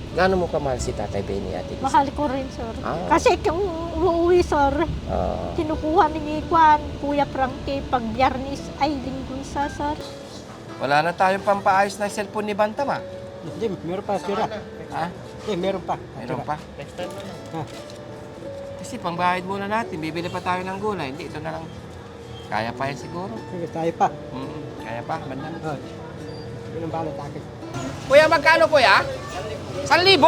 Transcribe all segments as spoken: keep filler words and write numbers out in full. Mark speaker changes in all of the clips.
Speaker 1: Gaano mo kamahal si Tatay Benny, Ate Lisa?
Speaker 2: Mahal ko rin, sir.
Speaker 1: Ah.
Speaker 2: Kasi kung uuwi, sir,
Speaker 1: Ah,
Speaker 2: kinukuha ni Kwan, Kuya Frankie, pag biyernes ay linggo isa, sir.
Speaker 1: wala na tayong pampaayos ng cellphone ni Bantam, ah.
Speaker 3: Hindi, meron pa sira.
Speaker 1: Ha?
Speaker 3: Hindi, meron pa.
Speaker 1: Mayroon pa?
Speaker 4: Next time na lang.
Speaker 3: Ha?
Speaker 1: Kasi pangbayad muna natin, bibili pa tayo ng gulay. Hindi, ito na lang. Kaya pa yan siguro.
Speaker 3: Sige, tayo pa.
Speaker 1: Mm, kaya pa, Bandam.
Speaker 3: Oh. Yun ang balot akin.
Speaker 1: Kuya, magkano kuya? San libo?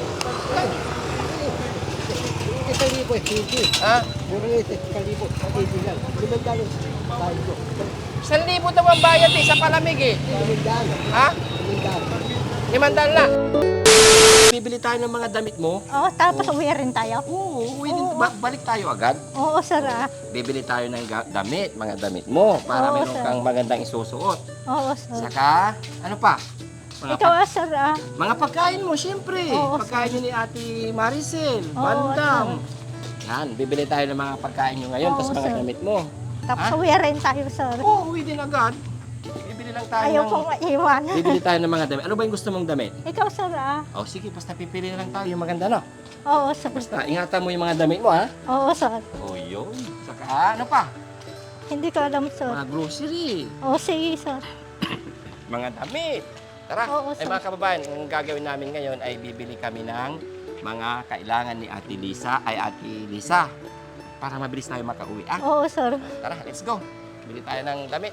Speaker 3: Isang libo, hindi.
Speaker 1: Ha?
Speaker 3: Meron yung isang libo, hindi lang. Limang dalo. Tayo ko.
Speaker 1: San libo daw ang bayad eh, sa palamig eh.
Speaker 3: Limang dalo.
Speaker 1: Ha?
Speaker 3: Limang dalo.
Speaker 1: Limandaan na. Bibili tayo ng mga damit mo.
Speaker 2: Oo, tapos uwi rin tayo.
Speaker 1: Oo, uwi din. Ba- balik tayo agad.
Speaker 2: Oo, sir, ah.
Speaker 1: Bibili tayo ng ga- damit, mga damit mo, para
Speaker 2: Oo,
Speaker 1: meron
Speaker 2: sir.
Speaker 1: kang magandang isusuot.
Speaker 2: Oo, sir.
Speaker 1: Saka, ano pa? Mga,
Speaker 2: Ikaw,
Speaker 1: pag-
Speaker 2: ah, sir, ah.
Speaker 1: mga pagkain mo, siyempre.
Speaker 2: Oo,
Speaker 1: Pagkain nyo ni Ate Maricel,
Speaker 2: Oo,
Speaker 1: Bandam. Yan, bibili tayo ng mga pagkain nyo ngayon,
Speaker 2: Oo,
Speaker 1: tapos mga
Speaker 2: sir.
Speaker 1: damit mo.
Speaker 2: Tapos
Speaker 1: Ha?
Speaker 2: uwi rin tayo, sir.
Speaker 1: Oo, uwi din agad. Bibili lang tayo
Speaker 2: Ayaw
Speaker 1: ng...
Speaker 2: kong maiwan.
Speaker 1: Bibili tayo ng mga damit. Ano ba yung gusto mong damit?
Speaker 2: Ikaw, sir, ah.
Speaker 1: Oh, sige, basta pipili na lang tayo yung maganda, no?
Speaker 2: Oo, sir.
Speaker 1: Basta, ingatan mo yung mga damit mo, ha?
Speaker 2: Oo, sir.
Speaker 1: Oh, yun. Saka, ano pa?
Speaker 2: Hindi ko alam, sir.
Speaker 1: Mga grocery,
Speaker 2: Oo, sige, sir.
Speaker 1: mga damit. Tara,
Speaker 2: Oo,
Speaker 1: ay
Speaker 2: sir.
Speaker 1: mga kababayan, ang gagawin namin ngayon ay bibili kami ng mga kailangan ni Ate Lisa, ay Ate Lisa, para mabilis tayo makauwi, ah?
Speaker 2: Oo, sir.
Speaker 1: Tara, let's go. Bili tayo ng damit.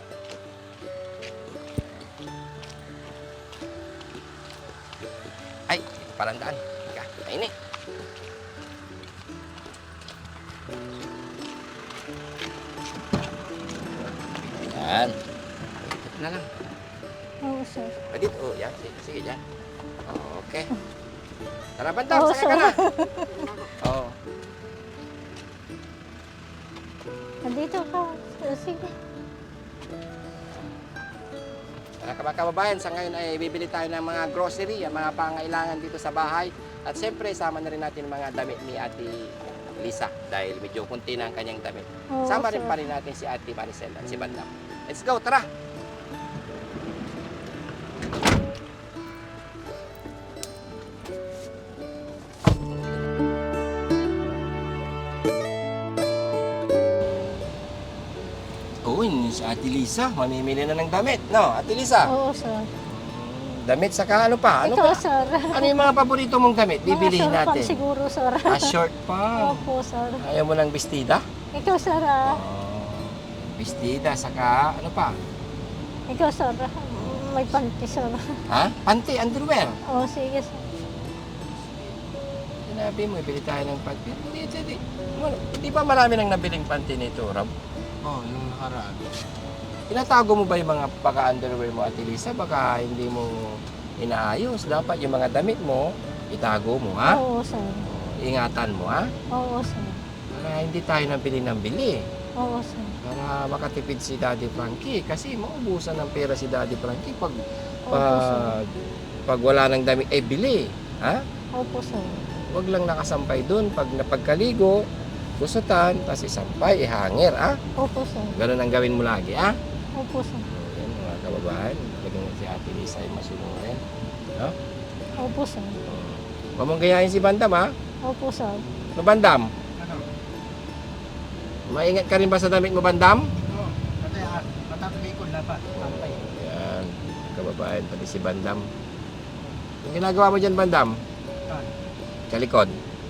Speaker 1: Ay, ito palang daan. Teka, ayun eh. Yan. Ito na lang.
Speaker 2: Oo, sir.
Speaker 1: Pwede ito. Oh, yan. Sige, sige dyan. Okay. Tara, Bandam.
Speaker 2: Oo,
Speaker 1: Saka ka
Speaker 2: sir.
Speaker 1: na. Oo.
Speaker 2: Nandito ka. Sige.
Speaker 1: Mga kaba- kababayan, sa ngayon ay bibili tayo ng mga grocery, ang mga pangailangan dito sa bahay. At siyempre, sama na rin natin ang mga damit ni Ate Lisa dahil medyo kunti na ang kanyang damit.
Speaker 2: Oo,
Speaker 1: Sama rin
Speaker 2: sir.
Speaker 1: pa rin natin si Ate Maricel at si Bandam. Let's go, tara! Oo, yun si Ate Lisa. Mamimili na ng damit, no? Ate Lisa,
Speaker 2: Oo, sir.
Speaker 1: damit saka ano pa? Ano
Speaker 2: Ikaw,
Speaker 1: pa?
Speaker 2: sir.
Speaker 1: Ano yung mga paborito mong damit? Bibilihin
Speaker 2: Mga short
Speaker 1: natin.
Speaker 2: pants siguro, sir.
Speaker 1: Ah, short pa.
Speaker 2: Opo, sir.
Speaker 1: Ayaw mo ng bestida?
Speaker 2: Ikaw, sir, ah.
Speaker 1: Oh, bestida, saka ano pa?
Speaker 2: Ikaw, sir. May panty, sir.
Speaker 1: Ha? Panty, underwear.
Speaker 2: Oo, sige, sir.
Speaker 1: Sinabi mo, bili tayo ng panty. Hindi, hindi. Ano, Hindi ba marami nang nabiling panty nito, Rob?
Speaker 4: Oo, oh, yung nakaraan.
Speaker 1: Tinatago mo ba yung mga paka-underwear mo, Ate Lisa? Baka hindi mo inaayos. Dapat yung mga damit mo, itago mo, ha?
Speaker 2: Oo, sir.
Speaker 1: Ingatan mo, ha?
Speaker 2: Oo, sir.
Speaker 1: Para hindi tayo nang bili ng bili.
Speaker 2: Oo, sir.
Speaker 1: Para makatipid si Daddy Frankie. Kasi maubusan ng pera si Daddy Frankie pag,
Speaker 2: Opo, sir.
Speaker 1: pag, pag wala ng damit, eh bili. Ha?
Speaker 2: Opo, sir.
Speaker 1: Huwag lang nakasampay dun. Pag napagkaligo, gusutan, tapos isampay, ihanger, ha?
Speaker 2: Opo, sir.
Speaker 1: Ganun ang gawin mo lagi, ha?
Speaker 2: Opo, sir.
Speaker 1: Yan mga kababayan. Lagyan si Ate Lisa ay masunurin. No?
Speaker 2: Opo, sir.
Speaker 1: Huwag mong gayahin si Bandam, ha?
Speaker 2: Opo, sir.
Speaker 1: No, Bandam?
Speaker 4: Ano?
Speaker 1: Maingat ka rin ba sa damit mo, Bandam?
Speaker 4: Oo, pati ah, matatagay ko dapat. Tampay.
Speaker 1: Yan, kababayan, pati si Bandam. Yung ginagawa mo dyan, Bandam?
Speaker 4: Saan?
Speaker 1: Sa likod.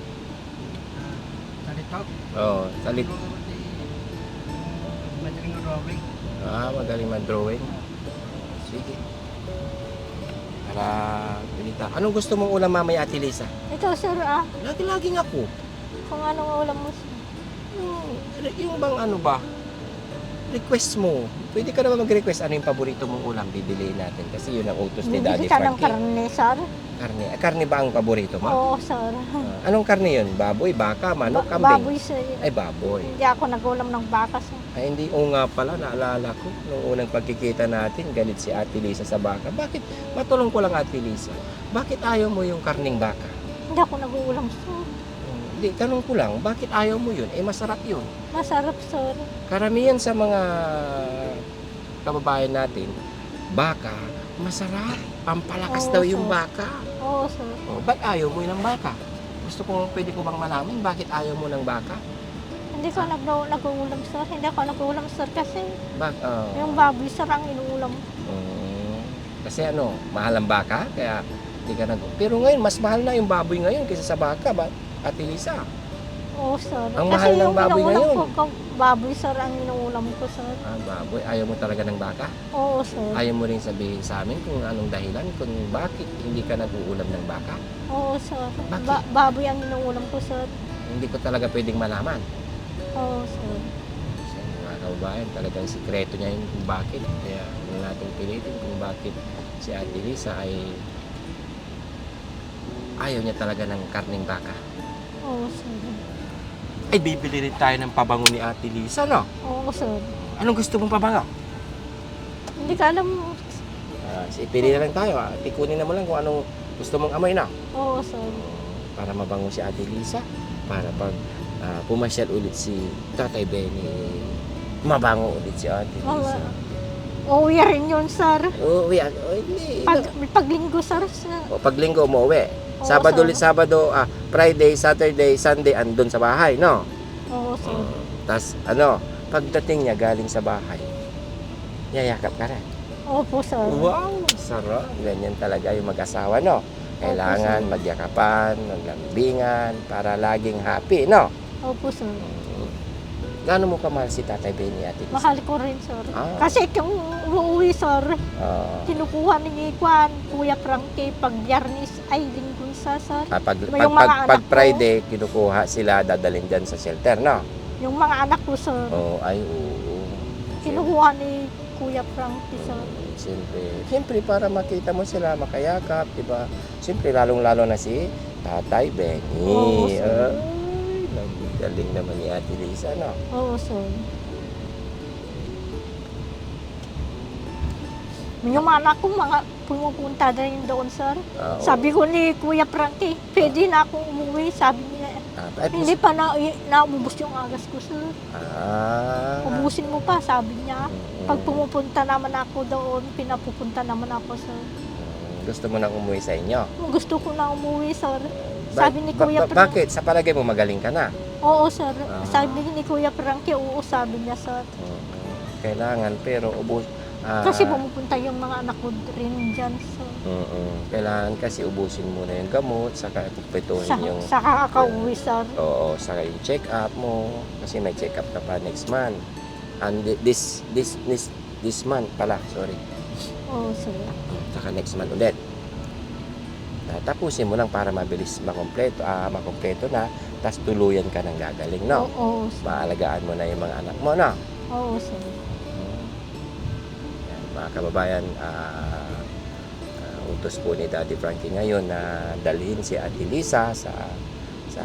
Speaker 4: Sa likod.
Speaker 1: Oo, sa likod.
Speaker 4: Siguro si madaling drawing.
Speaker 1: Ah, magaling mag-drawing. Sige. Para pinita. Anong gusto mong ulam mamaya, Ate Lisa?
Speaker 2: Ikaw, sir, ah.
Speaker 1: Lagi-laging ako.
Speaker 2: Kung anong ulam mo, sir.
Speaker 1: Yung, yung bang ano ba? Request mo. Pwede ka naman mag-request ano yung paborito mong ulam bibiliin natin. Kasi yun ang utos ni Daddy
Speaker 2: Bibili ka ng
Speaker 1: Frankie.
Speaker 2: karne, sir.
Speaker 1: Karne. Ah, karne ba ang paborito mo?
Speaker 2: Oo, sir.
Speaker 1: Ah, anong karne yun? Baboy, baka, manok,
Speaker 2: Ba-
Speaker 1: kambing?
Speaker 2: Baboy, sir.
Speaker 1: Ay, baboy.
Speaker 2: Hindi ako nagulam ng baka, sir.
Speaker 1: Ay, hindi. Oo nga pala, naalala ko. Nung unang pagkikita natin, galit si Ate Lisa sa baka. Bakit? Matulong ko lang, Ate Lisa. Bakit ayaw mo yung karning baka?
Speaker 2: Hindi ako naguulam, sir.
Speaker 1: Hmm, Hindi, tanong ko lang, bakit ayaw mo yun? Eh, masarap yun.
Speaker 2: Masarap, sir.
Speaker 1: Karamihan sa mga kababayan natin, baka Masarap. Pampalakas
Speaker 2: Oo,
Speaker 1: daw yung
Speaker 2: sir.
Speaker 1: baka.
Speaker 2: Oo, sir.
Speaker 1: Oh, ba't ayaw mo ng baka? Gusto ko, pwede ko bang malaman bakit ayaw mo ng baka?
Speaker 2: Hindi ko nag nag-uulam, sir. Hindi ako nag-uulam, sir, kasi
Speaker 1: Bak oh.
Speaker 2: yung baboy, sir, ang inuulam.
Speaker 1: Mm, kasi ano, mahal ang baka, kaya hindi ka nag... Pero ngayon, mas mahal na yung baboy ngayon kaysa sa baka, ba? Ate Lisa.
Speaker 2: Oo, sir.
Speaker 1: Ang
Speaker 2: kasi
Speaker 1: mahal ng
Speaker 2: yung
Speaker 1: baboy
Speaker 2: inuulam
Speaker 1: ngayon.
Speaker 2: ko, ko- baboy, sir, ang inuulam ko, sir.
Speaker 1: Ah, baboy. Ayaw mo talaga ng baka?
Speaker 2: Oo, sir.
Speaker 1: Ayaw mo rin sabihin sa amin kung anong dahilan, kung bakit hindi ka nag-uulam ng baka?
Speaker 2: Oo, sir.
Speaker 1: Bakit?
Speaker 2: Ba- baboy ang inuulam ko, sir.
Speaker 1: Hindi ko talaga pwedeng malaman.
Speaker 2: Oo, sir.
Speaker 1: Kasi mga kababayan, talagang sikreto niya yun kung bakit. Kaya huwag natin pilitin kung bakit si Ate Lisa ay ayaw niya talaga ng karning baka.
Speaker 2: Oo, sir.
Speaker 1: Ay, bibili rin tayo ng pabango ni Ate Lisa, no?
Speaker 2: Oo, sir.
Speaker 1: Anong gusto mong pabango?
Speaker 2: Hindi ka alam.
Speaker 1: Ah, si pili na lang tayo. Ah. Tikunin na mo lang kung anong gusto mong amoy na.
Speaker 2: Oo, sir.
Speaker 1: Para mabango si Ate Lisa. Para pag ah, pumasyal ulit si Tatay Benny, mabango ulit si Ate Lisa.
Speaker 2: Uuwi rin yun, sir.
Speaker 1: Oo, yan. Oh, hindi.
Speaker 2: Pag, paglinggo, sir. sir.
Speaker 1: O, pag linggo umuwi.
Speaker 2: Oo,
Speaker 1: Sabado
Speaker 2: sir.
Speaker 1: ulit, Sabado, ah, Friday, Saturday, Sunday, andun sa bahay, no?
Speaker 2: Oo, sir.
Speaker 1: Tapos, ano, pagdating niya galing sa bahay, yayakap ka rin.
Speaker 2: Opo, sir.
Speaker 1: Wow, sarap. Ganyan talaga yung mag-asawa, no? Kailangan
Speaker 2: Opo, sir.
Speaker 1: magyakapan, maglambingan, para laging happy, no?
Speaker 2: Opo, sir.
Speaker 1: Gaano mo kamahal si Tatay Benny, Ate Lisa?
Speaker 2: Mahal ko rin, sir.
Speaker 1: Ah.
Speaker 2: Kasi kung uuwi, sir,
Speaker 1: Ah,
Speaker 2: kinukuha ni Kwan, Kuya Frankie, pag biyernes ay linggo isa, sir.
Speaker 1: ah, pag, pag,
Speaker 2: Yung
Speaker 1: pag,
Speaker 2: mga
Speaker 1: pag
Speaker 2: anak ko.
Speaker 1: Friday, kinukuha sila, dadalhin dyan sa shelter, no?
Speaker 2: Yung mga anak ko, sir,
Speaker 1: Oo, ay, oo.
Speaker 2: kinukuha ni Kuya Frankie, sir.
Speaker 1: Siyempre, siyempre para makita mo sila, makayakap, di ba? Siyempre, lalong-lalo na si Tatay Benny.
Speaker 2: Oo, sir.
Speaker 1: Ay, galing naman ni Ate Lisa, no?
Speaker 2: Oo, sir. Yung mga anak ko, mga pumupunta na rin doon, sir.
Speaker 1: Oo.
Speaker 2: Sabi ko ni Kuya Frankie, pwede na akong umuwi. Sabi niya,
Speaker 1: Ah, ay,
Speaker 2: hindi pa na, naubos yung agas ko, sir.
Speaker 1: Ah.
Speaker 2: Ubusin mo pa, sabi niya.
Speaker 1: Mm.
Speaker 2: Pag pumupunta naman ako doon, pinapupunta naman ako, sir.
Speaker 1: Mm, Gusto mo nang umuwi sa inyo?
Speaker 2: Gusto ko na umuwi, sir.
Speaker 1: Ba-
Speaker 2: Sabi ni
Speaker 1: ba-
Speaker 2: Kuya
Speaker 1: ba-
Speaker 2: Frankie.
Speaker 1: Bakit? Sa palagay mo magaling ka na?
Speaker 2: Oo, sir.
Speaker 1: Ah.
Speaker 2: Sabi ni Kuya Frankie, oo, sabi niya, sir.
Speaker 1: Mm, Kailangan, pero ubos. ah,
Speaker 2: Kasi pumupunta yung mga anak ko rin dyan, sir.
Speaker 1: mm-mm. Kailangan kasi ubusin muna yung gamot, saka pupituhin
Speaker 2: Sa,
Speaker 1: yung...
Speaker 2: sa kakauwi, sir.
Speaker 1: Oo, saka yung check-up mo. Kasi may check-up ka pa next month. And thi- this, this, this, this month pala, sorry.
Speaker 2: Oo, sir.
Speaker 1: Saka next month ulit. Ah, tapusin mo lang para mabilis makompleto, ah, makompleto na, tapos tuluyan ka ng gagaling, no?
Speaker 2: Oo, sir.
Speaker 1: Maalagaan mo na yung mga anak mo, no?
Speaker 2: Oo, sir.
Speaker 1: Yan, mga kababayan, ah, ah, utos po ni Daddy Frankie ngayon na dalhin si Ate Lisa sa sa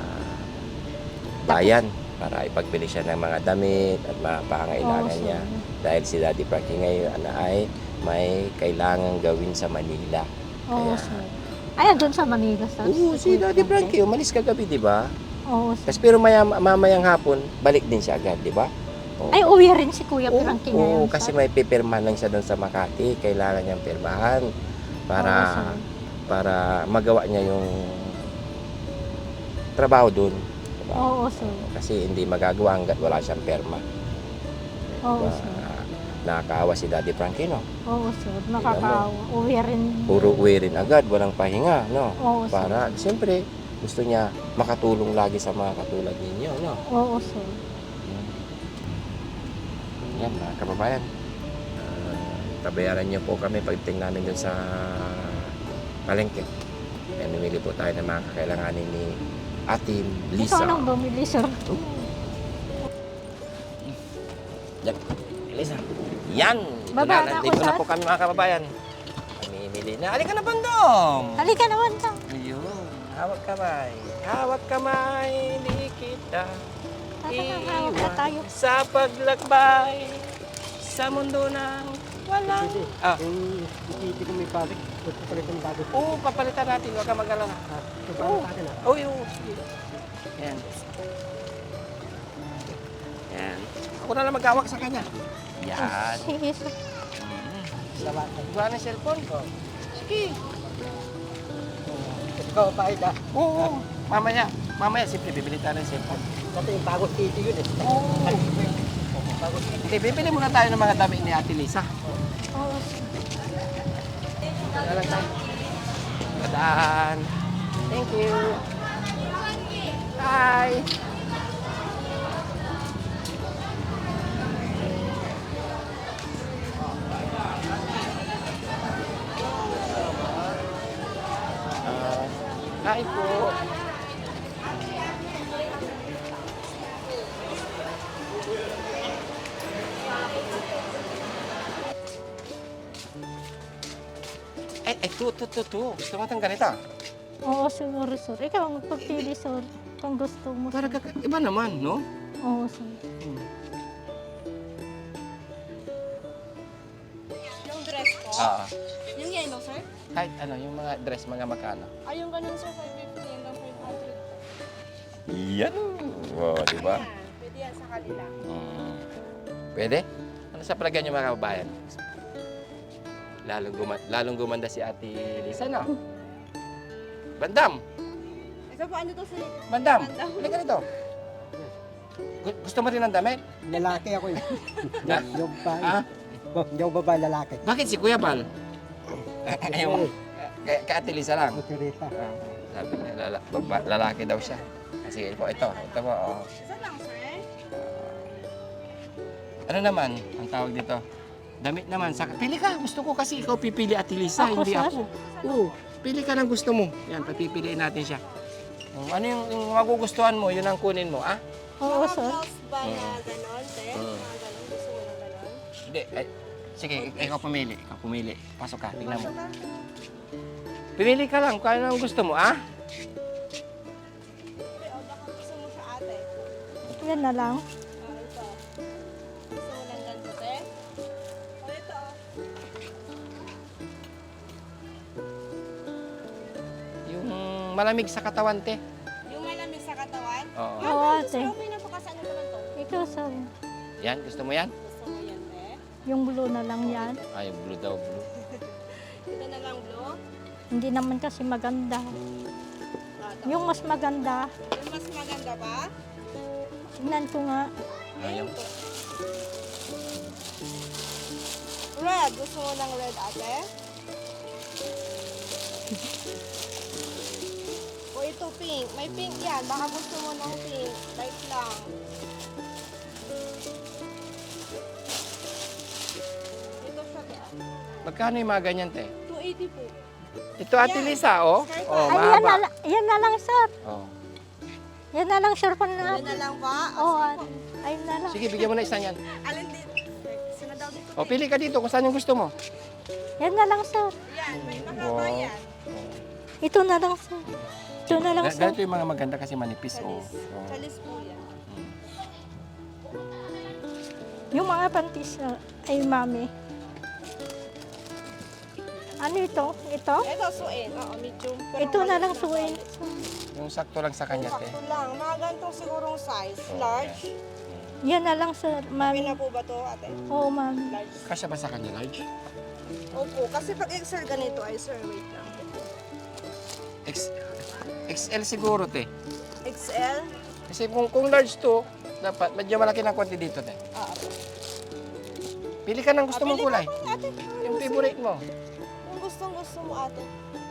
Speaker 1: bayan para ipagbili siya ng mga damit at mga pangailangan
Speaker 2: Oo,
Speaker 1: niya.
Speaker 2: sir.
Speaker 1: Dahil si Daddy Frankie ngayon na ay may kailangan gawin sa Manila.
Speaker 2: Oo,
Speaker 1: Kaya-
Speaker 2: sir. Ay, doon sa Manila, sir.
Speaker 1: Oo, si
Speaker 2: Kuya
Speaker 1: Daddy Frankie, umalis kagabi, di ba?
Speaker 2: Oo, sir.
Speaker 1: Tapos pero maya, mamayang hapon, balik din siya agad, di ba? Oo.
Speaker 2: Ay, uwi rin si Kuya
Speaker 1: Oo,
Speaker 2: Frankie
Speaker 1: oo,
Speaker 2: ngayon,
Speaker 1: kasi
Speaker 2: sir.
Speaker 1: may pipirmahan lang siya doon sa Makati. Kailangan niyang pirmahan para
Speaker 2: Oo, sir.
Speaker 1: para magawa niya yung trabaho doon. Diba?
Speaker 2: Oo, sir.
Speaker 1: Kasi hindi magagawa hanggat wala siyang perma.
Speaker 2: Oo,
Speaker 1: Diba?
Speaker 2: sir.
Speaker 1: Nakakaawa si Daddy Frankie, no?
Speaker 2: Oo, sir. Nakakaawa. Uwi rin.
Speaker 1: Puro uwi rin agad, walang pahinga, no?
Speaker 2: Oo, sir.
Speaker 1: Para, siyempre, gusto niya makatulong lagi sa mga katulad ninyo, no?
Speaker 2: Oo, sir.
Speaker 1: Yan, mga kababayan. Uh, tabayaran niyo po kami pagdating namin dun sa palengke. Yan, namili po tayo ng mga kakailanganin ni Ate Lisa.
Speaker 2: Ikaw nang bumili, sir.
Speaker 1: Yan. Lisa. Yan! Ito
Speaker 2: Baba
Speaker 1: na,
Speaker 2: na ako,
Speaker 1: nandito na
Speaker 2: sir.
Speaker 1: po kami mga kababayan. Mamimili na. Halika na, Bandong!
Speaker 2: Halika naman, sir.
Speaker 1: Ayun. Hawak kamay. Hawak kamay. Hindi kita
Speaker 2: Hawak na tayo.
Speaker 1: sa paglakbay sa mundo ng walang... Ah,
Speaker 3: Yung hindi ko may balik, gusto ko rin yung bago.
Speaker 1: oo, papalitan natin. Huwag ka mag-alala.
Speaker 3: Ah, ito pa ang akin ah.
Speaker 1: Oo, oo. Sige. Yan. Yan. Ako na lang maghawak sa kanya. Yan.
Speaker 2: Sige, sir.
Speaker 1: Mm.
Speaker 3: Salamat.
Speaker 1: Buwan ng cellphone ko. Sige.
Speaker 3: Ikaw pa ida.
Speaker 1: Oo. Mamaya. Mamaya, siyempre, bibili tayo ng cellphone.
Speaker 3: Dati yung Pagos City yun eh.
Speaker 1: Oo.
Speaker 3: Pagos City.
Speaker 1: Hindi, bibili muna tayo ng mga damit ni Ate Lisa.
Speaker 2: Oo, sir.
Speaker 1: Dalan tayo. Padaan. Thank you. Bye. Ah, Hi po. Eh, eh, tu, tu, tu, tu. Gusto mo itong ganito?
Speaker 2: Oo, siguro, sir. Ikaw ang magpapili, sir. Kung gusto mo.
Speaker 1: Para kaka- iba naman, no?
Speaker 2: Oo, sir.
Speaker 5: Yung dress ko?
Speaker 1: Ah,
Speaker 5: Yung yellow, sir?
Speaker 1: kahit ano, yung mga dress, mga magkano.
Speaker 5: Ay, yung ganun, sir, five fifty hanggang five hundred.
Speaker 1: Yan. Wow, di ba?
Speaker 5: Ayan, pwede yan sa kanila.
Speaker 1: Mm. Pwede? Ano sa palagay niyo mga kababayan? Lalong, guma- lalong gumanda si Ate Lisa, no? Bandam!
Speaker 5: Ito po, ano to, sir?
Speaker 1: Bandam!
Speaker 5: Bandam.
Speaker 1: Halika rito. Gu- Gusto mo rin ng damit?
Speaker 3: Lalaki ako yun.
Speaker 1: Ha?
Speaker 3: Yung ba,
Speaker 1: Ah?
Speaker 3: yung babae lalaki.
Speaker 1: Bakit si Kuya Bal? Ayaw mo. Kay, kay Ate Lisa lang.
Speaker 3: Kutsirita.
Speaker 1: Ah, sabi niya, lala, baba- lalaki daw siya. Ah, sige po, ito. Ito po, oh.
Speaker 5: Isa lang, sir?
Speaker 1: Ano naman ang tawag dito? Damit naman. Sa, pili ka. Gusto ko kasi ikaw pipili, Ate Lisa,
Speaker 2: Ako,
Speaker 1: hindi
Speaker 2: sir?
Speaker 1: ako. Oo. Pili ka ng gusto mo. Yan, papipiliin natin siya. Oh, ano yung, yung magugustuhan mo, yun ang kunin mo, ah?
Speaker 2: Oo,
Speaker 5: Mga
Speaker 2: sir.
Speaker 5: blouse ba na ganon, sir?
Speaker 1: Mm.
Speaker 5: Mga ganon, gusto mo ng ganon?
Speaker 1: Hindi. Ay, sige, ik- ikaw pumili. Ikaw pumili. Pasok ka, tingnan mo.
Speaker 5: Pasok ka.
Speaker 1: Pumili ka lang kung ano ang gusto mo, ah?
Speaker 5: Ate, o baka gusto mo sa ate.
Speaker 2: Yan na lang.
Speaker 5: Ah, ito. Gusto mo ng ganito, sir? O, ito, oh.
Speaker 1: Yung malamig sa katawan, te.
Speaker 5: Yung malamig sa katawan.
Speaker 1: Oo.
Speaker 5: Ah,
Speaker 2: Oo,
Speaker 5: gusto
Speaker 2: ate.
Speaker 5: mo, may napakasan naman to.
Speaker 2: Ikaw, sir.
Speaker 1: Yan, gusto mo yan?
Speaker 5: Gusto mo yan, eh?
Speaker 2: Yung blue na lang yan.
Speaker 1: Ay, blue daw, blue.
Speaker 5: Ito na lang, blue.
Speaker 2: Hindi naman kasi maganda.
Speaker 5: Ah, ito.
Speaker 2: Yung mas maganda,
Speaker 5: Yung mas maganda pa?
Speaker 2: tingnan ko nga.
Speaker 1: Ayaw.
Speaker 5: Red. Gusto mo ng red, ate? O ito, pink. May pink yan. Baka gusto mo ng pink. Light lang. Ito siya, te.
Speaker 1: Magkano yung mga ganyan, te?
Speaker 5: two eighty po.
Speaker 1: Ito, Ate
Speaker 5: Yan.
Speaker 1: Lisa, oh.
Speaker 5: Skirt
Speaker 1: Oh,
Speaker 2: Ay, yan na,
Speaker 1: mahaba.
Speaker 2: lang- yan na lang, sir.
Speaker 1: Oh.
Speaker 2: Yan na lang, sir. Pan
Speaker 5: Yan
Speaker 2: na.
Speaker 5: na lang ba?
Speaker 2: Oo,
Speaker 5: O,
Speaker 2: ate. Ayun na lang.
Speaker 1: Sige, bigyan mo na isa yan.
Speaker 5: alin dito? Sino daw dito?
Speaker 1: O, pili ka dito kung saan yung gusto mo.
Speaker 2: Yan na lang, sir.
Speaker 5: Yan, may mahaba
Speaker 1: Wow.
Speaker 5: yan.
Speaker 2: Ito na lang, sir. Ito na lang,
Speaker 1: Ga-
Speaker 2: sir.
Speaker 1: Ganito yung mga maganda kasi manipis. Oh.
Speaker 5: Chalis.
Speaker 1: Oh.
Speaker 5: Chalis po yan.
Speaker 2: Yung mga panties na, ay, mami. Ano ito? Ito?
Speaker 5: Ito, suin. Oo, medium. Pero
Speaker 2: Ito na lang,
Speaker 5: maliit
Speaker 2: suin.
Speaker 5: size.
Speaker 1: Yung sakto lang sa kanya, te.
Speaker 5: Sakto lang. Mga ganitong sigurong size.
Speaker 1: Oh,
Speaker 5: Large.
Speaker 2: Yan na lang, sir.
Speaker 5: Okay
Speaker 2: Mami.
Speaker 5: na po ba to, ate?
Speaker 2: Oo, mami.
Speaker 5: Large.
Speaker 1: Kasya ba sa kanya, large?
Speaker 5: Opo, kasi pag X L ganito ay sir, wait lang.
Speaker 1: X, X L siguro, te.
Speaker 5: X L?
Speaker 1: Kasi kung, kung large to, dapat medyo malaki ng konti dito, te.
Speaker 5: Ah, po.
Speaker 1: Pili ka ng gusto mong kulay.
Speaker 5: Ate,
Speaker 1: Yung favorite mo.
Speaker 5: kung gustong gusto mo ate.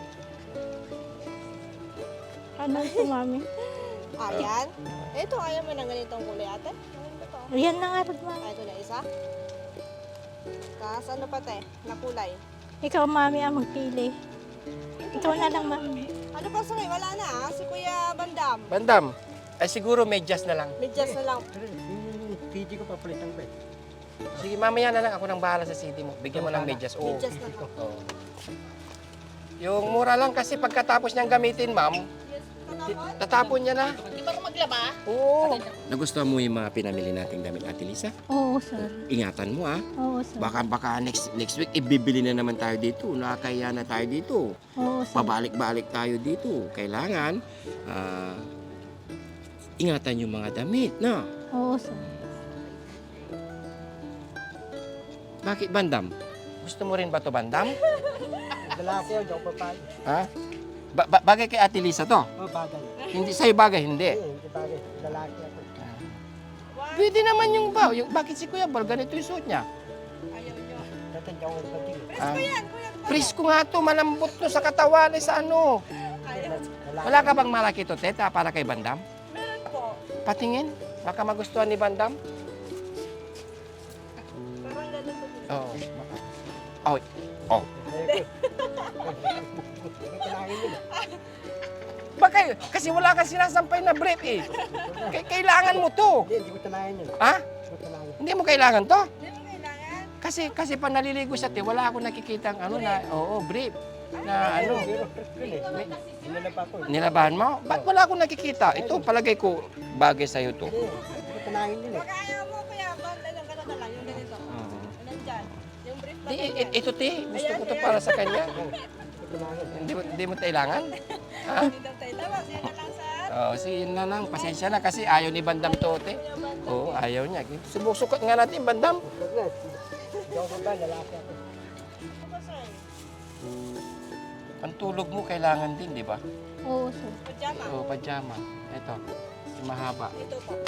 Speaker 2: Ano ito, mami?
Speaker 5: Ayan. Ito, ayaw mo ng ganitong kulay ate. Ano ba to?
Speaker 2: Yan na nga, rin, mami.
Speaker 5: Ah, ito na isa. Tapos ano pa te? Na kulay.
Speaker 2: Ikaw, mami, ang magpili. Ikaw na lang, mami.
Speaker 5: Ano pa sa wala na ah. Si Kuya Bandam.
Speaker 1: Bandam, ay siguro medyas na lang.
Speaker 5: Medyas na lang.
Speaker 3: Pero yung T G ko papalitan ko eh.
Speaker 1: Sige, mamaya na lang ako nang bahala sa city mo. Bigyan mo ng medyas. Oo.
Speaker 5: Medyas na lang.
Speaker 1: Oo. Yung mura lang kasi pagkatapos niyang gamitin, ma'am,
Speaker 5: Yes. Katapon?
Speaker 1: tatapon niya na.
Speaker 5: Di ba maglaba?
Speaker 1: Oo. Nagustuhan mo yung mga pinamili nating damit, Ate Lisa?
Speaker 2: Oo, sir.
Speaker 1: Ingatan mo, ah.
Speaker 2: Oo, sir.
Speaker 1: Baka baka next next week ibibili na naman tayo dito. Nakakaya na tayo dito.
Speaker 2: Oo, sir.
Speaker 1: Pabalik-balik tayo dito. Kailangan ah, ingatan yung mga damit, no?
Speaker 2: Oo, sir.
Speaker 1: Bakit, Bandam? Gusto mo rin ba to bandam?
Speaker 3: Lalaki yun, yung babae.
Speaker 1: Ha? Ba- ba- bagay kay Ate Lisa to?
Speaker 3: Oh, bagay.
Speaker 1: Hindi sa'yo bagay, hindi.
Speaker 3: Eh, hindi bagay. Lalaki ako.
Speaker 1: Pwede naman yung ba, yung bakit si Kuya Bal ganito yung suot niya?
Speaker 5: Ayaw nyo.
Speaker 3: Tatanda ko ng pating.
Speaker 1: Ah,
Speaker 5: Yan, kuya.
Speaker 1: Presko nga to, malambot to sa katawan eh, sa ano.
Speaker 5: Ayaw.
Speaker 1: Wala ka bang malaki to, teta, para kay Bandam?
Speaker 5: Meron po.
Speaker 1: Patingin, baka magustuhan ni Bandam.
Speaker 5: Parang ganun po.
Speaker 1: Oo. Oh, oh.
Speaker 3: Kailangan yun.
Speaker 1: Baka, kasi wala kang sinasampay na brief eh. Kay- kailangan mo to.
Speaker 3: Hindi, hindi ko tanayan yun.
Speaker 1: Ha?
Speaker 3: Hindi ko tanayan.
Speaker 1: Hindi mo kailangan to?
Speaker 5: Hindi mo kailangan.
Speaker 1: Kasi kasi pa naliligo siya, te, wala akong nakikita ano na, oo, brief. Na ano,
Speaker 3: Pero, yun eh. May, Inalaba ko.
Speaker 1: nilabahan mo? Ba't wala akong nakikita? Ito, palagay ko, bagay sa'yo to.
Speaker 3: Hindi, hindi ko tanayan yun eh.
Speaker 5: Pag ayaw mo, kuya, bal, anong gano'n na lang, yung ganito.
Speaker 1: Oo.
Speaker 5: Nandyan. Yung brief na
Speaker 1: Di,
Speaker 5: ganyan.
Speaker 1: i- ito, te, gusto ko to para sa kanya.
Speaker 3: Hindi ko tanayan.
Speaker 1: Hindi mo, hindi mo kailangan? Ha?
Speaker 5: Hindi daw tayo labas. Yan na lang, sir.
Speaker 1: Oo, sige, yun na lang. Pasensya na kasi ayaw ni Bandam to, te. Oo, ayaw niya. Subusukat nga natin, Bandam.
Speaker 3: Huwag na. Hindi ako babae, lalaki ako.
Speaker 5: Ano, sir?
Speaker 1: Ang tulog mo kailangan din, di ba?
Speaker 2: Oo, sir.
Speaker 5: Pajama.
Speaker 1: Oo, pajama. Ito, yung mahaba.
Speaker 5: Ito po.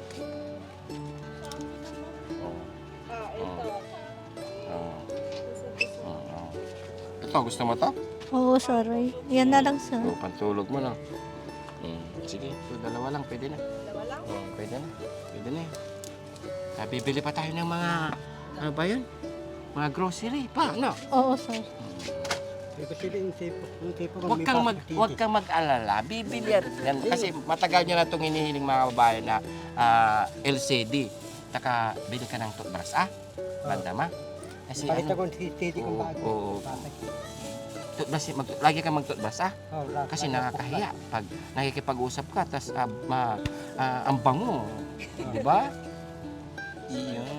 Speaker 1: Oo,
Speaker 5: Ah, ito.
Speaker 1: oo, oo. Ito, gusto mo to?
Speaker 2: Oo, sir. Ay, yan na lang, sir.
Speaker 1: Oo, pantulog mo lang. Hmm, sige, ito, dalawa lang, pwede na.
Speaker 5: Dalawa lang.
Speaker 1: Oo, pwede na. Pwede na yun. Ah, bibili pa tayo ng mga, ano ba yun? Mga grocery pa, no?
Speaker 2: Oo, sir.
Speaker 3: Hindi ko sila yung tipo. Yung tipo ko
Speaker 1: Huwag
Speaker 3: may
Speaker 1: kang
Speaker 3: pasok
Speaker 1: mag
Speaker 3: titi.
Speaker 1: huwag kang mag-alala. Bibili yan. Yan, kasi matagal niya na itong hinihiling mga babae na ah, L C D. Taka bili ka ng toothbrush, ah? Banda ma? Kasi
Speaker 3: Pakita ko
Speaker 1: ano,
Speaker 3: yung titi kong
Speaker 1: Oo,
Speaker 3: bago.
Speaker 1: oo.
Speaker 3: Bakit?
Speaker 1: toothbrush, mag, lagi kang mag-toothbrush, ah?
Speaker 3: Oh, laki-
Speaker 1: Kasi
Speaker 3: laki-
Speaker 1: nakakahiya pag nakikipag-usap ka, tapos ah, ma, ah, ang bango. Di ba? Iyon.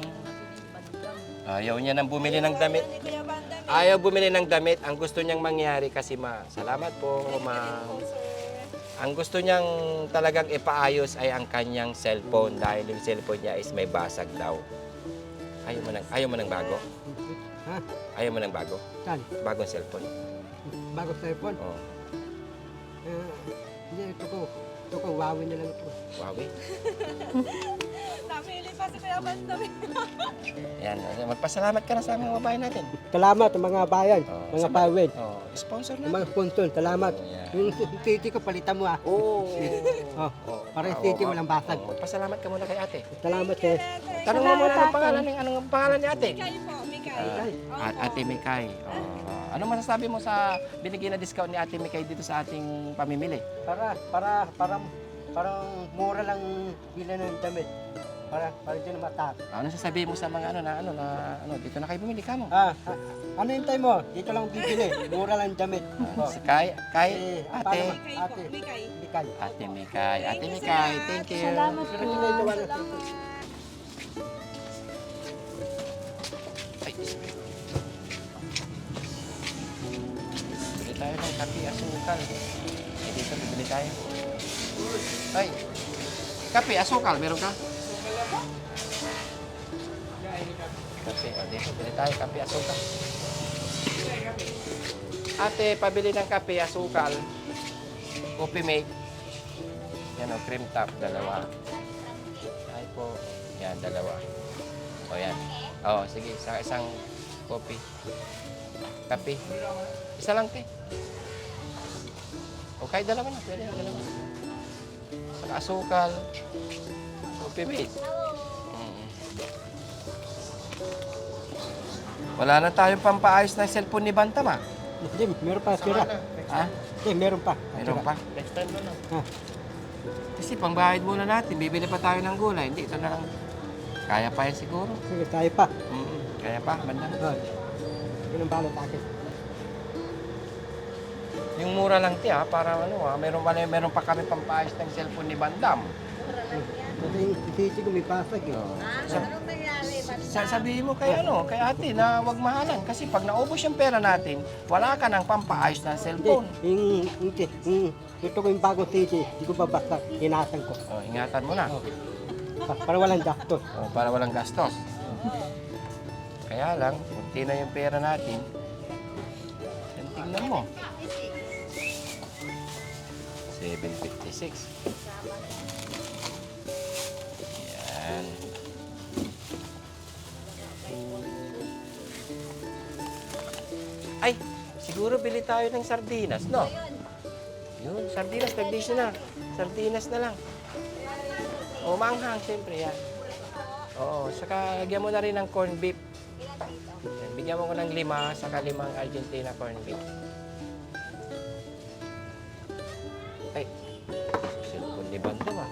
Speaker 1: Ayaw niya nang bumili ng damit.
Speaker 5: Ni Kuya Bandam.
Speaker 1: Ayaw bumili ng damit. Ang gusto niyang mangyari kasi ma, salamat po, ma'am.
Speaker 5: Po, sir.
Speaker 1: Ang gusto niyang talagang ipaayos ay ang kanyang cellphone dahil yung cellphone niya is may basag daw. Ayaw mo ng, ayaw mo ng bago?
Speaker 3: Ha?
Speaker 1: Ayaw mo ng bago?
Speaker 3: Saan?
Speaker 1: Bagong cellphone.
Speaker 3: Bago cellphone?
Speaker 1: Oh,
Speaker 3: Eh, Hindi, ito ko. Ito ko, Huawei na lang ito.
Speaker 1: Huawei.
Speaker 5: Namili pa si Kuya Bandam.
Speaker 1: Yan, magpasalamat ka na sa mga babae natin.
Speaker 3: Salamat mga bayan,
Speaker 1: Oh,
Speaker 3: mga
Speaker 1: sama-
Speaker 3: pawid,
Speaker 1: Oh, sponsor na.
Speaker 3: mga sponsor. Salamat.
Speaker 1: Oh, yan.
Speaker 3: Yung titi ko, palitan mo ah.
Speaker 1: Oo.
Speaker 3: Oh,
Speaker 1: Oh,
Speaker 3: para yung
Speaker 1: oh,
Speaker 3: titi
Speaker 1: oh,
Speaker 3: walang basag.
Speaker 1: oh, Pasalamat ka muna kay ate.
Speaker 3: Salamat eh.
Speaker 1: Tanong mo muna
Speaker 2: Salamat,
Speaker 1: anong
Speaker 2: ate.
Speaker 1: pangalan, ni- anong pangalan ni ate?
Speaker 5: Mikay po, Mikay.
Speaker 1: Ah, at Ate Mikay. Oh, ano masasabi mo sa binigyan na discount ni Ate Mikay dito sa ating pamimili?
Speaker 3: Para, para, para, parang mura lang bilan ng damit. Para, para dyan matak.
Speaker 1: Ano sasabihin mo sa mga ano na ano na ano dito na kayo bumili ka mo?
Speaker 3: Ah, ah, ano yung time mo? Dito lang bibili. Mura lang damit. Oh.
Speaker 1: Si Kay, Kay,
Speaker 3: Eh,
Speaker 1: Ate,
Speaker 3: paano
Speaker 5: Mikay po,
Speaker 3: Ate.
Speaker 5: Mikay.
Speaker 3: Bikay.
Speaker 1: Ate Mikay, Ate
Speaker 5: Thank you,
Speaker 1: Mikay,
Speaker 5: sir.
Speaker 1: thank you.
Speaker 2: Salamat
Speaker 3: Pero
Speaker 2: po.
Speaker 3: ginagawa na
Speaker 5: Salamat.
Speaker 1: Ay, bili tayo ng kape asukal. Eh, dito bibili tayo. Ay, kape asukal, meron ka? Kape, oh, dito bili tayo kape asukal. Ate, pabili ng kape asukal. Coffee mate. Yan o, cream top, dalawa. Ay po. Yan, dalawa. O yan. O, sige, sa isang coffee. Kape. Isa lang, te. O, kahit dalawa na. Pwede, dalawa. Saka asukal. Coffee mate. Mm. Wala na tayong pampaayos ng cellphone ni Bantam, ah.
Speaker 3: Hindi, meron pa sira.
Speaker 1: Ha?
Speaker 3: Eh, meron pa.
Speaker 1: Meron pa?
Speaker 4: Next time na lang.
Speaker 3: Ha.
Speaker 1: Kasi pangbahid muna natin, bibili pa tayo ng gulay. Hindi, ito na lang. Kaya pa yan siguro.
Speaker 3: Sige, tayo pa.
Speaker 1: Mm, kaya pa, banda.
Speaker 3: Oh. Yun ang balot akin.
Speaker 1: Yung mura lang ti ha, para ano ha, meron, pa- meron pa kami pampaayos ng cellphone ni Bandam.
Speaker 3: Kasi yung titi ko may pasag eh.
Speaker 1: Sa, sa, sabihin mo kay ano, kay ate na wag mahalan. Kasi pag naubos yung pera natin, wala ka ng pampaayos ng
Speaker 3: Hindi,
Speaker 1: cellphone.
Speaker 3: yung, yung, yung, ito ko yung bagong titi, hindi ko babasa, hinatan ko.
Speaker 1: Oh, ingatan mo na.
Speaker 3: Oh. Pa- para walang gastos.
Speaker 1: Oh, para walang gastos. Kaya Kaya lang, kunti na yung pera natin. Yan, tingnan mo. seven fifty-six. Yan. Ay, siguro bili tayo ng sardinas, no? Yun, sardinas, nag-dish na. Sardinas na lang. O, manghang, siyempre, yan. Oo, saka lagyan mo na rin ng corned beef. Yan, bigyan mo ko ng lima, saka limang Argentina corned beef. Ay, cellphone ni Bando ah.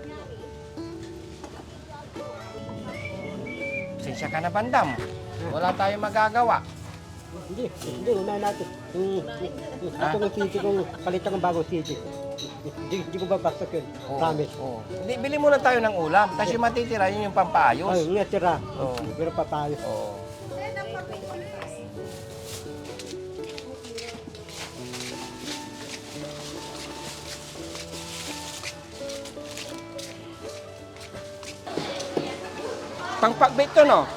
Speaker 1: Pasensya ka na, Bandam. Wala tayong magagawa.
Speaker 3: Hindi, hindi, unahin natin. Yung, yung,
Speaker 1: Ha?
Speaker 3: ito ng sisi kong palitan ng bagong sisi. Hindi, hindi ko babastok yun.
Speaker 1: Oo,
Speaker 3: Promise.
Speaker 1: oo. Di, bili muna tayo ng ulam. Tapos yung matitira, yun yung
Speaker 3: Ay,
Speaker 1: pampaayos.
Speaker 3: nga tira.
Speaker 1: Oo.
Speaker 3: Pero papayo.
Speaker 1: Oo. Pangpagbit to, no?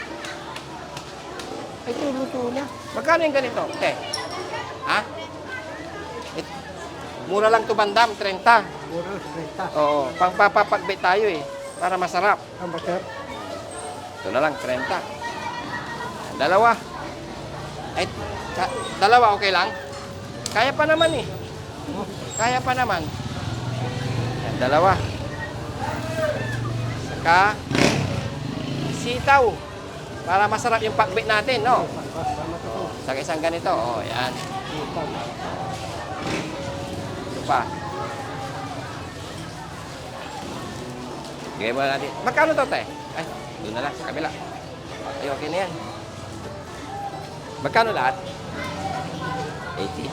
Speaker 1: Ay, luto na. Magkano yung ganito? Te? Ha? It, mura lang to, Bandam, thirty.
Speaker 3: Puro, renta.
Speaker 1: Oo, pangpapagbit tayo eh. Para masarap.
Speaker 3: Ang bakit?
Speaker 1: Ito na lang, thirty. Dalawa. Ay, ka- dalawa okay lang? Kaya pa naman eh. Kaya pa naman. Yan, dalawa. Saka, sitaw. Para masarap yung pagbit natin, no? Oh, saka isang ganito. Oh, yan. Ito pa. Bigay mo natin. Magkano to, te? Ay, doon na lang, sa kabila. Ay, okay na yan. Magkano lahat? eighty.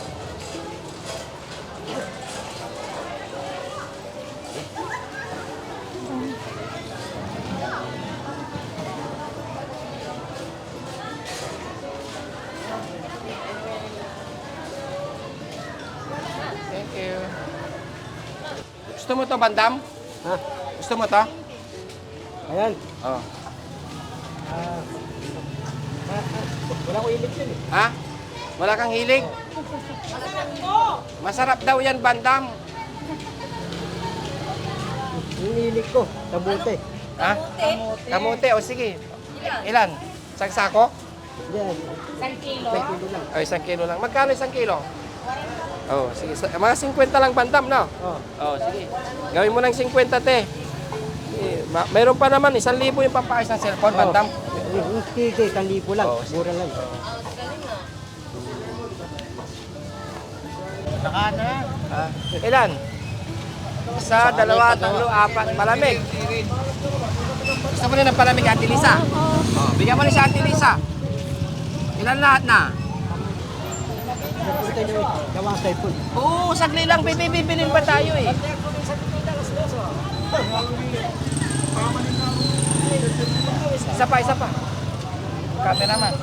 Speaker 1: Thank you. Gusto mo to, Bandam?
Speaker 3: Ha?
Speaker 1: Gusto mo to?
Speaker 3: Ayan.
Speaker 1: Oh.
Speaker 3: Ah, ah, ah, wala ko ilig yun eh.
Speaker 1: Ha? Wala kang hilig? Masarap daw yan, Bandam.
Speaker 3: Yung ilig ko, tabuti.
Speaker 1: Ha? Kamote. O sige. Ilan? Isang sako?
Speaker 3: Yan.
Speaker 5: Isang kilo.
Speaker 3: May kilo lang.
Speaker 1: O, isang kilo lang. Magkano isang kilo? Oh, sige. Sa- Mga fifty lang, Bandam, no?
Speaker 3: Oh.
Speaker 1: Oh, sige. Gawin mo ng fifty, te. Eh, ma- Mayroon pa naman, isang libo yung pampaayos ng cellphone, Bandam.
Speaker 3: Yung sisi, isang libo lang.
Speaker 1: Oh, sige.
Speaker 3: Mura lang.
Speaker 4: Saka na.
Speaker 1: Ah, ilan? Isa, dalawa, tatlo, apat. Palamig. Gusto mo rin ng palamig, Ate Lisa? Oh, bigyan mo rin sa Ate Lisa. Ilan lahat na?
Speaker 3: Napunta nyo gawa ang cellphone.
Speaker 1: Oo, sagli lang, bibilin pa tayo eh. Isa pa, isa pa. Cameraman.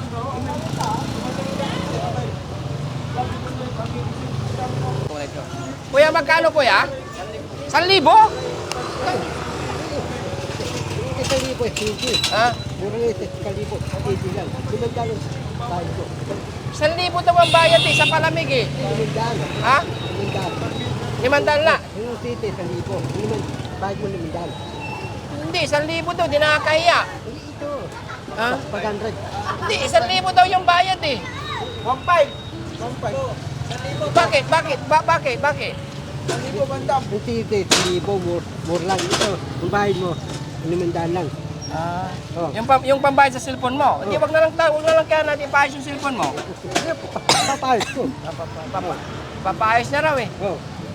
Speaker 1: Kuya, magkano kuya? San libo?
Speaker 3: Isang libo eh, sisi.
Speaker 1: Ha?
Speaker 3: Mura lang ito, isang libo. Sisi lang. Limandaan yung bayad ko.
Speaker 1: San libo daw ang bayad eh, sa palamig eh.
Speaker 3: Limandaan.
Speaker 1: Ha?
Speaker 3: Limandaan.
Speaker 1: Limandaan na.
Speaker 3: Yung sisi, isang libo. Limand, bayad mo limandaan.
Speaker 1: Hindi, isang libo daw, di nakakahiya.
Speaker 3: Hindi ito.
Speaker 1: Ha?
Speaker 3: Pag hundred.
Speaker 1: Hindi, isang libo daw yung bayad eh.
Speaker 4: one five. one five.
Speaker 1: Bakit? Bakit? Ba bakit? Bakit?
Speaker 4: Ang libo bandam.
Speaker 3: Yung sisi, isang libo. Mura, mura lang. Ito, yung bayad mo, limandaan lang.
Speaker 1: Ah,
Speaker 3: Oh.
Speaker 1: yung, pam yung pambayad sa cellphone mo. Hindi, wag na lang tayo, wag na lang kaya natin ipaayos yung cellphone mo.
Speaker 3: Hindi, papayos ko.
Speaker 1: Papa, papaayos na raw eh.
Speaker 3: Oh.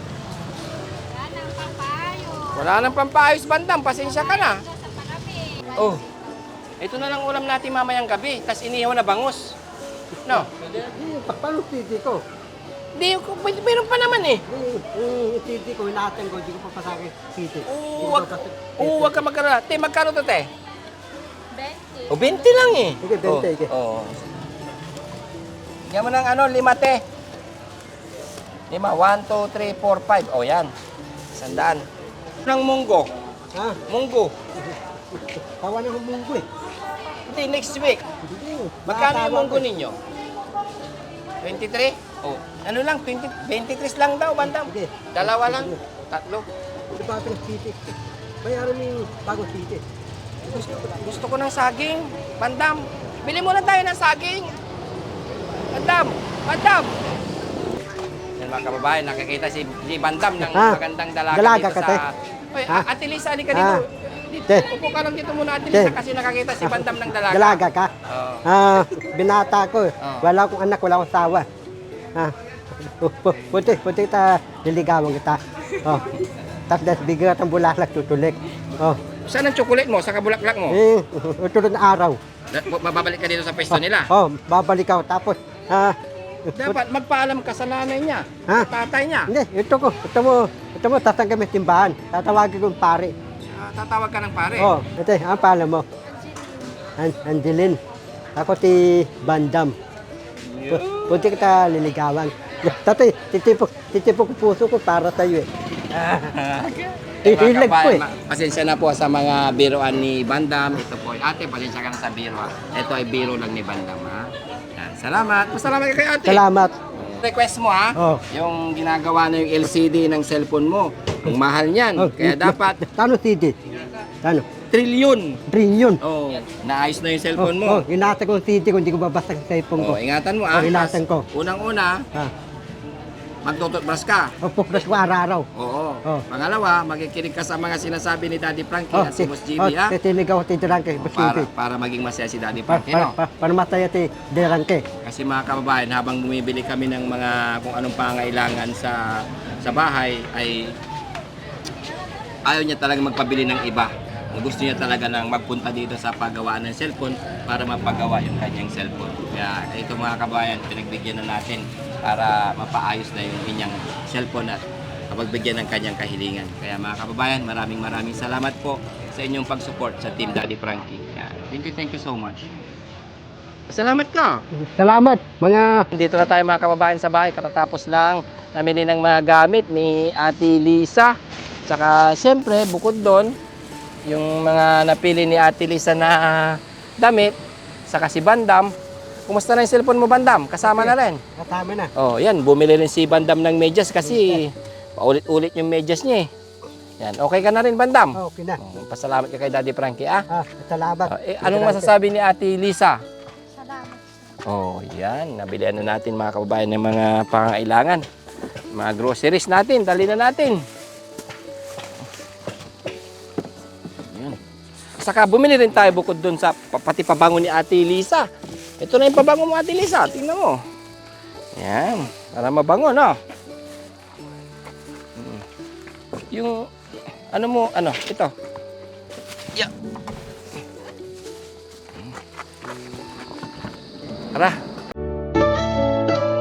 Speaker 1: Wala nang pampaayos, Bandam. Pasensya ka na. Oh, ito na lang ulam natin mamayang gabi. Tapos inihaw na bangus. No?
Speaker 3: Eh, pa- paano sisi ko?
Speaker 1: Hindi, ko- may- meron pa naman eh.
Speaker 3: Yung, yung sisi ko, inaatan ko, hindi ko papasakit sisi.
Speaker 1: Oo, wag, oo, wag ka magkaroon. Te, magkano to, te?
Speaker 5: twenty.
Speaker 1: O, twenty lang eh.
Speaker 3: Sige, twenty, sige.
Speaker 1: Oo. Oh. Yan mo ng ano, lima, te. Lima, one, two, three, four, five. O, yan. Sandaan. Ng munggo.
Speaker 3: Ha?
Speaker 1: Munggo.
Speaker 3: Tawa na humunggo eh.
Speaker 1: Hindi, next week. Magkano yung munggo ninyo? twenty-three? Oh, ano lang, twenty, twenty-three lang daw, bandam.
Speaker 3: Sige.
Speaker 1: Dalawa lang, tatlo.
Speaker 3: Ito pa ng city. Bayaran mo yung bagong city.
Speaker 1: Gusto, gusto ko ng saging, bandam. Bili muna tayo ng saging. Bandam, bandam. Yan mga kababayan, nakikita si, si Bandam ng
Speaker 3: Ha?
Speaker 1: magandang dalaga,
Speaker 3: Dalaga
Speaker 1: dito
Speaker 3: ka,
Speaker 1: sa...
Speaker 3: te?
Speaker 1: Oy,
Speaker 3: Ha?
Speaker 1: Ate Lisa, halika dito.
Speaker 3: Ha?
Speaker 1: Dito,
Speaker 3: Te?
Speaker 1: upo ka lang dito muna, Ate
Speaker 3: Te?
Speaker 1: Lisa, kasi nakakita si Bandam ng dalaga.
Speaker 3: Dalaga ka?
Speaker 1: Oo.
Speaker 3: Ah, binata ko.
Speaker 1: Oh.
Speaker 3: Wala akong anak, wala akong asawa. Ah, puti, puti kita, niligawan kita. Oh. Tapos bigyan ka ng bulaklak, tutulik. Oh.
Speaker 1: Saan ang chocolate mo? Sa kabulaklak mo?
Speaker 3: Eh, tulad ng araw.
Speaker 1: Na- Mababalik ka dito sa pwesto nila.
Speaker 3: Oh, babalik ako. Tapos, ah,
Speaker 1: Dapat magpaalam ka sa nanay niya,
Speaker 3: Ha?
Speaker 1: tatay niya.
Speaker 3: hindi, ito ko, ito mo, ito mo, tatanggal mo yung timbahan. Tatawagin ko yung pare.
Speaker 1: Ah, tatawag ka ng pare.
Speaker 3: Oh, ito, ang pala mo. An Angeline. Ako si Bandam. Pu- Punti kita liligawan. Tatay, titipok, titipok ko puso ko para sa iyo eh.
Speaker 1: Eh, mga
Speaker 3: Hilag ko
Speaker 1: kabayan,
Speaker 3: eh.
Speaker 1: ma- pasensya na po sa mga biroan ni Bandam. Ito po, ate, pasensya ka na sa biro ha. Ito ay biro lang ni Bandam ha. Yan, salamat. Masalamat ka kay ate.
Speaker 3: Salamat.
Speaker 1: Request mo ha,
Speaker 3: Oh.
Speaker 1: yung ginagawa na yung L C D ng cellphone mo. Ang mahal niyan.
Speaker 3: Oh,
Speaker 1: Kaya dapat
Speaker 3: Tano C D? Tano?
Speaker 1: trilyon.
Speaker 3: Trillion.
Speaker 1: Oh, naayos na yung
Speaker 3: Oh,
Speaker 1: cellphone mo.
Speaker 3: oh, inasa ko yung C D ko, hindi ko babasag sa cellphone ko.
Speaker 1: Oh, ingatan mo ah.
Speaker 3: Oh, ingatan ko.
Speaker 1: Unang-una,
Speaker 3: Ah,
Speaker 1: magtututbrush ka.
Speaker 3: oh, puklas ko araw-araw.
Speaker 1: Oo.
Speaker 3: Oh.
Speaker 1: Pangalawa, makikinig ka sa mga sinasabi ni Daddy Frankie
Speaker 3: Oh,
Speaker 1: at si Boss G
Speaker 3: oh,
Speaker 1: B ha.
Speaker 3: titinig ako titiran kay Boss
Speaker 1: Para,
Speaker 3: G B.
Speaker 1: para maging masaya si Daddy
Speaker 3: Para,
Speaker 1: Frankie,
Speaker 3: para,
Speaker 1: no?
Speaker 3: para, para masaya si Derangke.
Speaker 1: Kasi mga kababayan, habang bumibili kami ng mga kung anong pangailangan sa sa bahay, ay ayaw niya talaga magpabili ng iba. Gusto niya talaga nang magpunta dito sa paggawaan ng cellphone para mapagawa yung kanyang cellphone. Kaya ito mga kababayan, pinagbigyan na natin para mapaayos na yung inyang cellphone at mapagbigyan ng kanyang kahilingan. Kaya mga kababayan, maraming maraming salamat po sa inyong pag-support sa Team Daddy Frankie. Kaya, thank you, thank you so much. Salamat ka!
Speaker 3: Salamat, mga
Speaker 1: Dito na tayo mga kababayan sa bahay. Katatapos lang namili ng mga gamit ni Ate Lisa. Tsaka siyempre, bukod doon, yung mga napili ni Ate Lisa na damit, saka si Bandam. Kumusta na yung cellphone mo, Bandam? Kasama na rin.
Speaker 3: kasama na.
Speaker 1: Oh, yan. Bumili rin si Bandam ng medyas kasi paulit-ulit yung medyas niya eh. Yan. Okay ka na rin, Bandam?
Speaker 3: Oh, okay na.
Speaker 1: Oh, pasalamat ka kay Daddy Frankie, ah.
Speaker 3: Ah, salamat.
Speaker 1: Oh, eh, anong masasabi ni Ate Lisa?
Speaker 2: Salamat.
Speaker 1: Oh, yan. Nabilihan na natin mga kababayan ng mga pangailangan. Mga groceries natin. Dali na natin. Yan. Saka bumili rin tayo bukod dun sa pa- pati pabango ni Ate Lisa. Ito na yung pabango mo, Ate Lisa. Tingnan mo. Yan. Para mabango, no? Mm. Yung, ano mo, ano, ito. Yeah. Tara.